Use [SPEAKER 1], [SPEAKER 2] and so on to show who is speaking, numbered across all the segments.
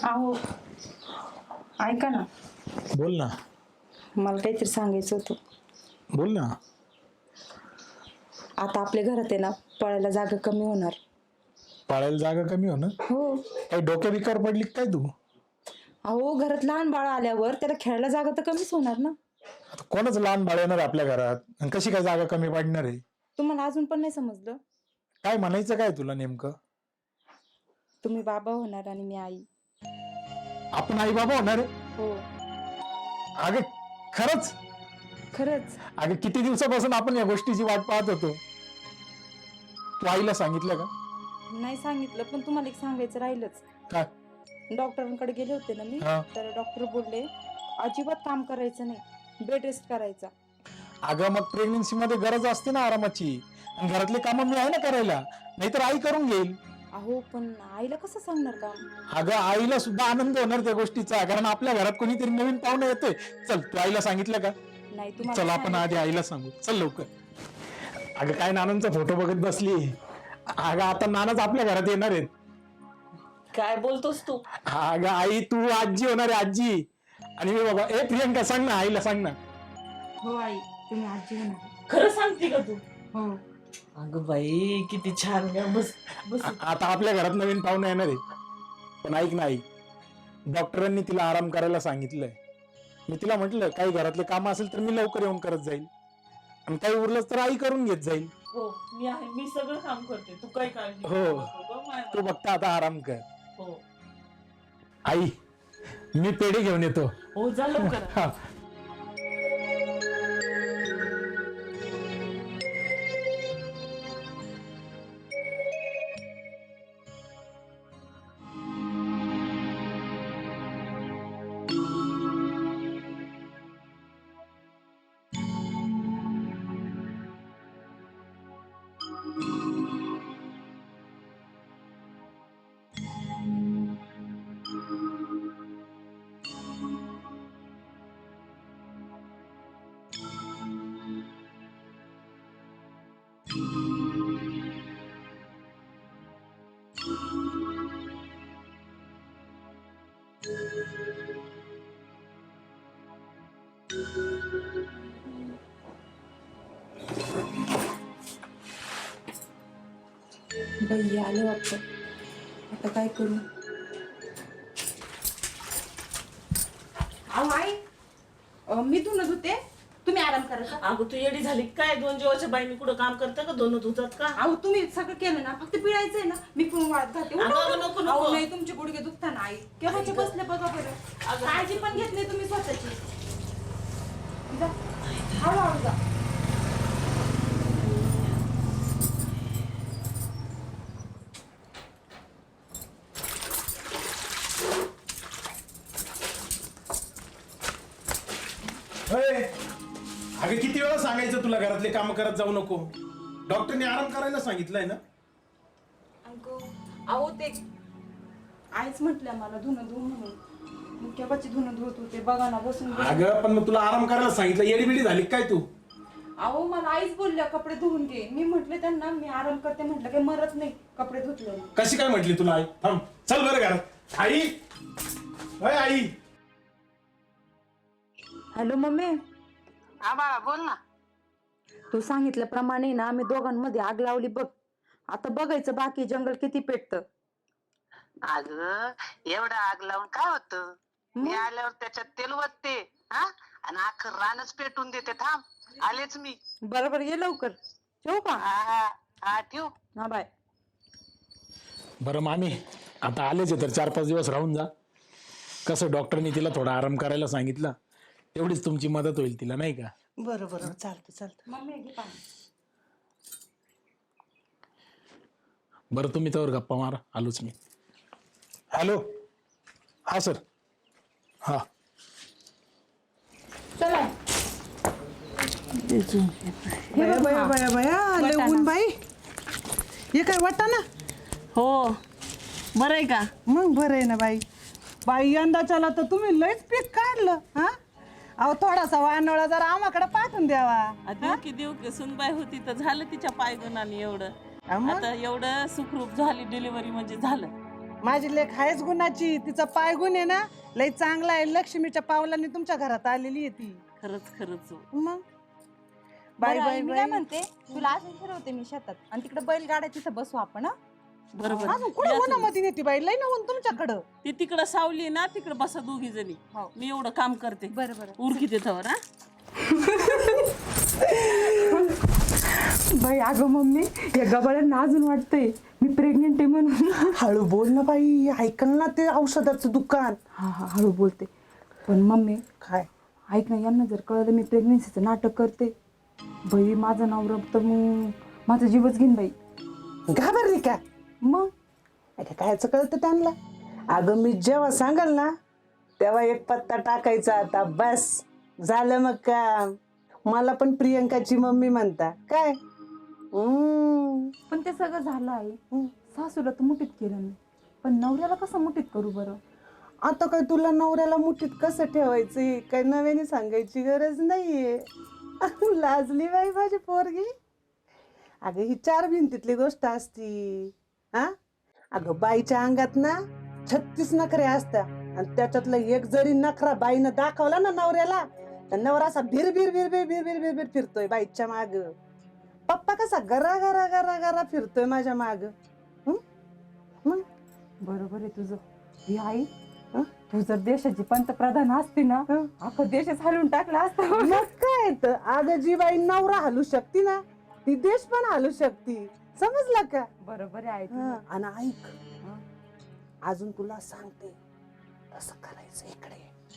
[SPEAKER 1] अहो ऐका ना,
[SPEAKER 2] बोल ना.
[SPEAKER 1] मला काहीतरी सांगायचं होतं.
[SPEAKER 2] बोल ना.
[SPEAKER 1] आता आपल्या घरात आहे ना, पळायला जागा कमी होणार.
[SPEAKER 2] पाळायला जागा कमी होणार?
[SPEAKER 1] हो.
[SPEAKER 2] काही डोक्या बिकार पडली का काय तू?
[SPEAKER 1] अहो घरात लहान बाळ आल्यावर त्याला खेळायला जागा तर कमीच होणार ना.
[SPEAKER 2] आता कोणच लहान बाळ येणार आपल्या घरात आणि कशी काय जागा कमी पडणार आहे?
[SPEAKER 1] तुम्हाला अजून पण नाही समजलं?
[SPEAKER 2] काय म्हणायचं काय तुला नेमकं?
[SPEAKER 1] तुम्ही बाबा होणार आणि मी आई.
[SPEAKER 2] आपण आई बाबा होणार आहे?
[SPEAKER 1] हो.
[SPEAKER 2] अगं खरंच?
[SPEAKER 1] खरंच.
[SPEAKER 2] अगं किती दिवसापासून आपण या गोष्टीची वाट पाहत होतो. तू आईला सांगितलं का?
[SPEAKER 1] नाही सांगितलं, पण तुम्हाला एक सांगायचं राहिलंच.
[SPEAKER 2] काय?
[SPEAKER 1] डॉक्टरांकडे गेले होते ना मी,
[SPEAKER 2] हा.
[SPEAKER 1] तर डॉक्टर बोलले अजिबात काम करायचं नाही, बेड रेस्ट करायचा.
[SPEAKER 2] अगं मग प्रेग्नन्सी मध्ये गरज असते ना आरामाची, आणि घरातले कामं मी आहे ना करायला, नाहीतर आई करून घेईल.
[SPEAKER 1] अहो पण आईला कसं सांगणार काम?
[SPEAKER 2] अगं आईला सुद्धा आनंद होणार त्या गोष्टीचा, कारण आपल्या घरात कोणीतरी नवीन पाहुणा येतोय. चल तू आईला सांगितलं का?
[SPEAKER 1] नाही
[SPEAKER 2] चल
[SPEAKER 1] तुम्हाला
[SPEAKER 2] आपण आधी आईला सांगू. चल लवकर. अगं काय नानांचा फोटो बघत बसली. अगं आता नानाच आपल्या घरात येणार आहेत.
[SPEAKER 3] काय बोलतोस तू?
[SPEAKER 2] अगं आई तू आजी होणार आहे, आजी. आणि मी बाबा प्रियंका सांग ना, आईला सांग ना.
[SPEAKER 1] हो आई, तुम्ही आजी होणार.
[SPEAKER 3] खरं सांगते का तू?
[SPEAKER 1] हो.
[SPEAKER 3] अगं बाई किती छान ग. बस बस.
[SPEAKER 2] आता आपल्या घरात नवीन पाहुणे येणार आहे. पण ऐक ना आई, डॉक्टरांनी तिला आराम करायला सांगितलंय. मी तिला म्हटलं काही घरातले काम असेल तर मी लवकर येऊन करत जाईल, आणि काही उरलंच तर आई करून घेत जाईल.
[SPEAKER 3] हो मी आहे, मी सगळं काम करते, तू काय काळजी
[SPEAKER 2] हो.
[SPEAKER 3] करू नको गं माय.
[SPEAKER 2] तू फक्त आता आराम कर.
[SPEAKER 3] हो
[SPEAKER 2] आई मी पेढे घेऊन येतो.
[SPEAKER 3] हो जा लवकर.
[SPEAKER 2] हा.
[SPEAKER 1] बाई आलं वाटतं, आता काय करू? अहो आई, मी धुणं धुते, तुम्ही आराम करा.
[SPEAKER 3] अगं तू येडी झाली काय? दोन जीवाच्या बाईनी कुठं काम करतं का? दोन धुतात का?
[SPEAKER 1] अहो तुम्ही सगळं केलं ना, फक्त पिळायचंय ना, मी पण वाळत घालते. उठा,
[SPEAKER 3] अगं,
[SPEAKER 1] उठा.
[SPEAKER 3] नको, नको.
[SPEAKER 1] अहो नाही, तुमचे गुडघे दुखता ना आई, केव्हाचे बसले बघा बरं.
[SPEAKER 3] अगं.
[SPEAKER 1] काळजी पण घेत नाही तुम्ही स्वतःची. जा, हळूहळू जा.
[SPEAKER 2] अगं किती वेळा सांगायचं तुला घरातले काम करत जाऊ नको. डॉक्टरने आराम करायला सांगितलंय ना.
[SPEAKER 1] अहो ते आईच म्हटल्या मला धुणं धुवून म्हणून, मी केव्हाची धुणं धुवत होते बघा ना, बसून बसून.
[SPEAKER 2] अगं पण मग तुला आराम करायला सांगितलं, येडीबिडी झाली काय तू?
[SPEAKER 1] अहो मला आईच बोलल्या कपडे धुवून घे, मी म्हटले त्यांना मी आराम करते, म्हटलं काही मरत नाही कपडे धुतले.
[SPEAKER 2] कशी काय म्हटली तुला आई? थांब चल बरं घरात. आई अय आई.
[SPEAKER 1] हॅलो मम्मी,
[SPEAKER 4] हा बाळा बोल ना.
[SPEAKER 1] तू सांगितल्याप्रमाणे ना आम्ही दोघांमध्ये आग लावली बघ. आता बघायचं बाकी जंगल किती पेटतं.
[SPEAKER 4] अगं एवढं आग लावून काय होतं? मी आल्यावर त्याच्यात तेल वतते हा, आणि अख्खं रानच पेटून देते. थांब आलेच मी.
[SPEAKER 1] बरोबर, ये लवकर. ठेवू का?
[SPEAKER 4] हा हा ठेव.
[SPEAKER 1] हा बाय.
[SPEAKER 2] बरं मामी, आता आलेच आहे तर 4-5 दिवस राहून जा. कसं डॉक्टरनी तिला थोडा आराम करायला सांगितलं, तेवढीच तुमची मदत होईल तिला, नाही का?
[SPEAKER 4] बरं बरं चालतं चालतं.
[SPEAKER 1] मम्मी घे पाणी.
[SPEAKER 2] बरं तुम्ही त्यावर गप्पा मारा, आलोच मी. हॅलो, हा सर. हा
[SPEAKER 1] चला.
[SPEAKER 5] बया बया बया बया लय ऊन बाई. हे काय वाटा ना?
[SPEAKER 3] हो बरं आहे का?
[SPEAKER 5] मग बरं आहे ना बाई. बाई यंदाच्याला तर तुम्ही लयच पीक काढलं हा. अहो थोडासा वानोळा जरा आम्हाकडे पाठवून द्यावा.
[SPEAKER 3] देऊ की सुनबाई होती तर झालं तिच्या पायगुणाने एवढं.
[SPEAKER 5] मग?
[SPEAKER 3] आता एवढं सुखरूप झाली डिलिव्हरी म्हणजे झालं.
[SPEAKER 5] माझी लेख आहेच गुणाची, तिचा पाय गुण आहे ना लई चांगला आहे. लक्ष्मीच्या पावलांनी तुमच्या घरात आलेली आहे ती.
[SPEAKER 3] खरंच खरंच
[SPEAKER 5] मग बाय
[SPEAKER 1] बरं,
[SPEAKER 5] बाय
[SPEAKER 1] आई, मी काय
[SPEAKER 5] बाय.
[SPEAKER 1] म्हणते तुला असं फिरवते मी शेतात आणि तिकडे बैल गाड्या तिथं बसू आपण हं?
[SPEAKER 3] बरोबर
[SPEAKER 5] अजून कुठे उन्हामध्ये नेते बाई, लई ना ऊन तुमच्याकडं.
[SPEAKER 3] ती तिकडं सावली ना, तिकडं बसा दोघी जणी.
[SPEAKER 1] हो.
[SPEAKER 3] मी एवढं काम करते.
[SPEAKER 1] बरं बरं
[SPEAKER 3] उरकी देतावर हा.
[SPEAKER 1] बाई अगं मम्मी या गबाळ्यांना अजून वाटतंय मी प्रेग्नेंट आहे म्हणून.
[SPEAKER 5] हळू बोल ना बाई, ऐकल ना ते औषधाचं दुकान.
[SPEAKER 1] हा हा हळू बोलते. पण मम्मी
[SPEAKER 5] काय
[SPEAKER 1] ऐक ना, यांना जर कळलं मी प्रेग्नेन्सीचं नाटक करते बाई माझं नवरा तर मग माझा जीवच घेईन बाई.
[SPEAKER 5] घाबरली का?
[SPEAKER 1] मग
[SPEAKER 5] अरे कायचं कळतं त्यांना. अगं मी जेव्हा सांगाल ना तेव्हा एक पत्ता टाकायचा, आता बस झालं मग काम. मला पण प्रियंकाची मम्मी म्हणता काय.
[SPEAKER 1] पण ते सगळं झालं आहे. सासूला तर मुठीत केलं मी, पण नवऱ्याला कसं मुठीत करू बरं.
[SPEAKER 5] आता काय तुला नवऱ्याला मुठीत कसं ठेवायचं काय नव्याने सांगायची गरज नाहीये. लाजली बाई माझी पोरगी. अगं ही 4 भिंतीतली गोष्ट असती. हा अगं बाईच्या अंगात ना 36 नखरे असतात आणि त्याच्यातलं एक जरी नखरा बाईनं दाखवला ना नवऱ्याला तर नवरा असा भिर भिर भिर भिर भिर भिर भिर भिर फिरतोय बाईच्या माग. पप्पा कसा गरा गरा गरा गरा फिरतोय माझ्या माग.
[SPEAKER 1] बरोबर आहे तुझं. ही आई तू जर देशाची पंतप्रधान असती ना अख्खा देशच हलवून टाकला असता.
[SPEAKER 5] मग काय तर अगं जी बाई नवरा हलू शकती ना ती देश पण हलू शकती. समजलं का?
[SPEAKER 1] बरोबर आहे आई तुझं.
[SPEAKER 5] आणि ऐक अजून तुला सांगते तसं करायचं. इकडे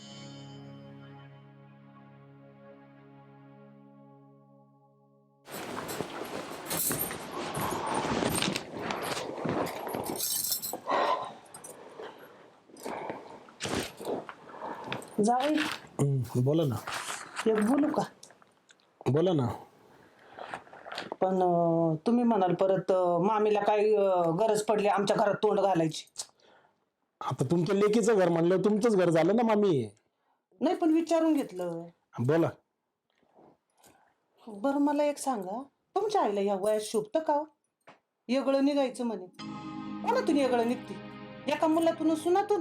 [SPEAKER 5] जाऊ
[SPEAKER 2] बोला ना.
[SPEAKER 5] एक बोलू का?
[SPEAKER 2] बोला ना.
[SPEAKER 5] पण तुम्ही म्हणाल परत मामीला काय गरज पडली आमच्या घरात तोंड घालायची.
[SPEAKER 2] आता तुमच्या लेकीचं घर म्हणलं तुमचंच घर झालं ना मामी.
[SPEAKER 5] नाही पण विचारून घेतलं.
[SPEAKER 2] बोला.
[SPEAKER 5] बरं मला एक सांगा, तुमच्या आईला या वयात शोभतं का? येगळं निघायचं म्हणे. कोणातून येगळं निघते? एका मुलातून सुनातून?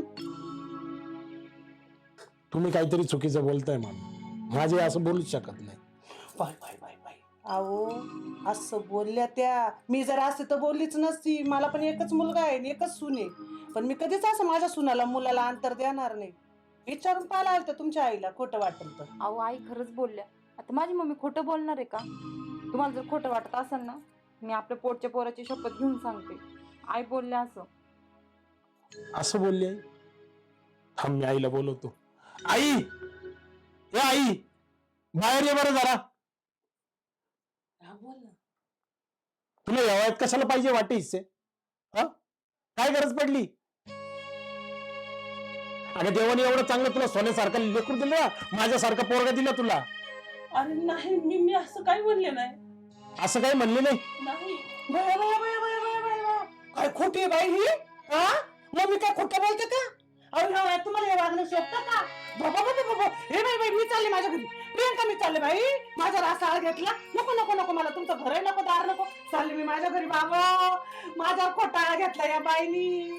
[SPEAKER 2] तुम्ही काहीतरी चुकीचं बोलताय मामी. माझे असं बोलूच शकत नाही.
[SPEAKER 5] Bye bye bye bye. अहो असं बोलल्या त्या. मी जर असते तर बोललीच नसती. मला पण एकच मुलगा आहे आणि एकच सून आहे. पण मी कधीच असं माझ्या सुनाला मुलाला अंतर देणार नाही. विचारून पाहायला आलं तर तुमच्या आईला खोटं वाटेल तर.
[SPEAKER 1] अहो आई खरंच बोलल्या. आता माझी मम्मी खोटं बोलणार आहे का? तुम्हाला जर खोटं वाटत असेल ना मी आपल्या पोटच्या पोराची शपथ घेऊन सांगते आई बोलल्या असं.
[SPEAKER 2] असं बोलली आई? थांब मी आईला बोलवतो. आई, ए आई, बाहेर ये बरं जरा.
[SPEAKER 3] बोल ना.
[SPEAKER 2] तुला या वयात कशाला पाहिजे वाटे हिस्से? हा काय गरज पडली? अगं देवाने एवढं चांगलं तुला सोन्यासारखं लेकरू दिलं ना, माझ्यासारखा पोरगा दिला तुला.
[SPEAKER 3] अरे नाही, मी असं काही म्हणले नाही.
[SPEAKER 2] असं काही म्हणले नाही.
[SPEAKER 3] नाही.
[SPEAKER 5] काय खोटी बाई ही? हा मम्मी काय खोटं बोलते का? अहो ह्या वयात तुम्हाला हे वागणं शोभतं का? बाबा बाबा बाबा हे बाई बाई मी चालले माझ्या घरी. प्रियंका मी चालले बाई. माझा रासाळ घेतला. नको नको नको मला तुमचं घर नको दार नको. चालले मी माझ्या घरी. बाबा माझा खोटाळा घेतला या बाईनी.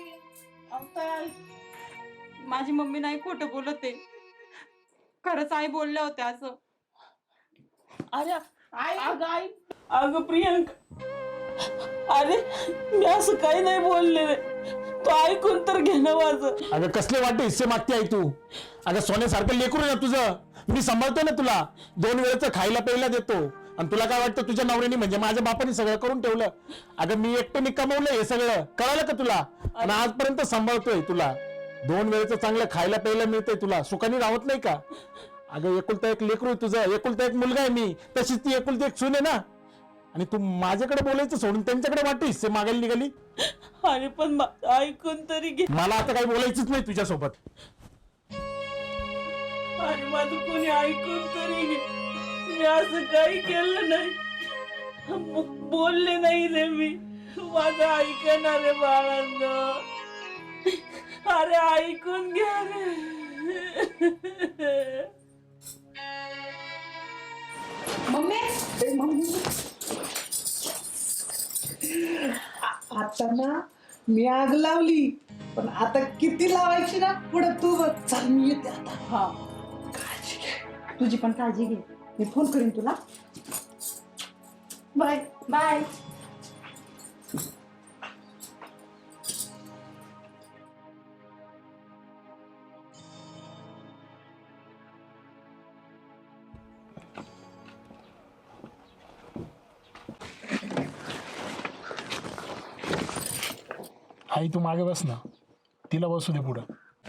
[SPEAKER 1] माझी मम्मी नाही खोटं बोलत आहे. खरंच आई बोलल्या होत्या असं.
[SPEAKER 3] अरे अगं आई, अगं प्रियंका, अरे मी असं काही नाही बोलले. तू ऐकून तर घे ना माझं.
[SPEAKER 2] अगं कसले वाटे हिस्से मागते आई तू? अगं सोन्यासारखं लेकरू आहे ना तुझं. मी सांभाळतो ना तुला. 2 वेळेचं खायला प्यायला देतो. आणि तुला काय वाटतं तुझ्या नवऱ्याने म्हणजे माझ्या बापाने सगळं करून ठेवलं? अगं मी एकट्याने कमवलं हे सगळं. कळालं का तुला? आणि आजपर्यंत सांभाळतोय तुला. 2 वेळेचं चांगलं खायला प्यायला मिळतंय तुला. सुखाने राहत नाही का? अगं एकुलता एक लेकरू आहे तुझं. एकुलता एक मुलगा आहे मी. तशीच ती एकुलती एक सून आहे ना. आणि तू माझ्याकडे बोलायचं सोडून त्यांच्याकडे वाटते हिस्से मागायला निघाली.
[SPEAKER 3] अरे पण ऐकून तरी घे.
[SPEAKER 2] मला आता काही बोलायचंच नाही तुझ्यासोबत.
[SPEAKER 3] अरे माझं कोणी ऐकून तरी घे. मी असं काही केलं नाही. बोलले नाही रे मी. माझं ऐकणार रे बाळांनो. अरे ऐकून घ्या रे.
[SPEAKER 5] आता ना मी आग लावली पण आता किती लावायची ना पुढे तू बघ. चल मी येते आता.
[SPEAKER 1] हा,
[SPEAKER 5] काळजी घे.
[SPEAKER 1] तुझी पण काळजी घे. मी फोन करीन तुला.
[SPEAKER 5] बाय.
[SPEAKER 1] बाय.
[SPEAKER 2] आई तू मागे बस ना, तिला बसू दे पुढं.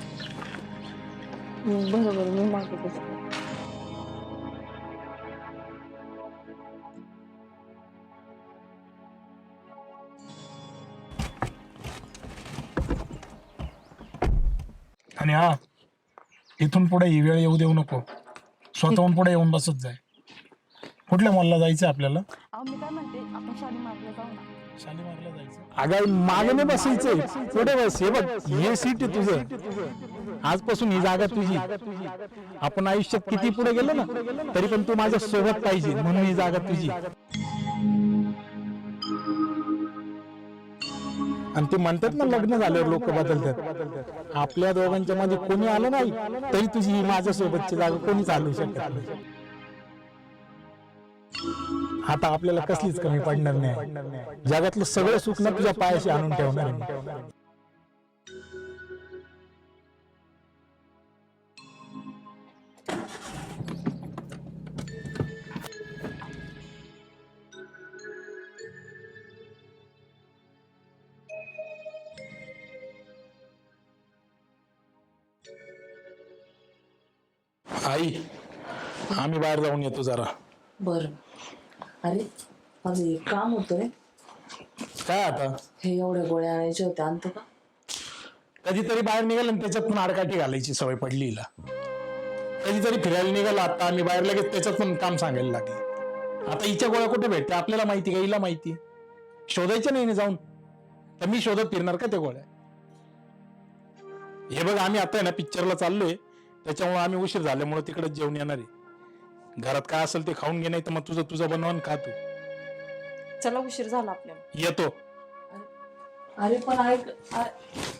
[SPEAKER 1] बरोबर, मी मागे बसते.
[SPEAKER 2] आणि हा, इथून पुढे ही वेळ येऊ देऊ नको. स्वतःहून पुढे येऊन बसत जाय. कुठल्या मॉलला जायचं आपल्याला?
[SPEAKER 1] अहो मी काय म्हणते, आपण शालीमारला जाऊ ना.
[SPEAKER 2] शालीमारला जायचं. अगं मागे नाही बसायचंय, पुढे बस. हे बघ, हे सीट आहे तुझं. आजपासून ही जागा तुझी. आपण आयुष्यात किती पुढे गेलो ना, तरी पण तू माझ्या सोबत पाहिजे, म्हणून ही जागा तुझी. आणि ते म्हणतात ना, लग्न झाल्यावर लोक बदलतात. आपल्या दोघांच्या मध्ये कोणी आलं नाही तरी तुझी ही माझ्या सोबतची जागा कोणी चालू शकत नाही. आता आपल्याला कसलीच कमी पडणार नाही. जगातलं सगळं सुख ना तुझ्या पायाशी आणून ठेवणार आहे. आई, आम्ही बाहेर जाऊन येतो जरा.
[SPEAKER 3] बर. अरे माझं एक काम होतं रे.
[SPEAKER 2] काय आता?
[SPEAKER 3] हे एवढ्या गोळ्या आणायच्या होत्या, आणतो का?
[SPEAKER 2] कधीतरी बाहेर निघाल आणि त्याच्यात पण आडकाठी घालायची सवय पडली हिला. कधीतरी फिरायला निघाला आता आम्ही बाहेर, लगेच त्याच्यात पण काम सांगायला लागले. आता हिच्या गोळ्या कुठे भेटते आपल्याला माहिती का? हिला माहिती. शोधायच्या नाही जाऊन, तर मी शोधत फिरणार का त्या गोळ्या? हे बघ, आम्ही आता आहे ना पिक्चरला चाललोय, त्याच्यामुळे आम्ही उशीर झाल्यामुळे तिकडेच जेवण येणार आहे. घरात काय असेल ते खाऊन घे, नाही तर मग तुझं बनवून खा तू.
[SPEAKER 1] चला, उशीर झाला आपल्याला.
[SPEAKER 2] येतो.
[SPEAKER 3] अरे पण ऐक.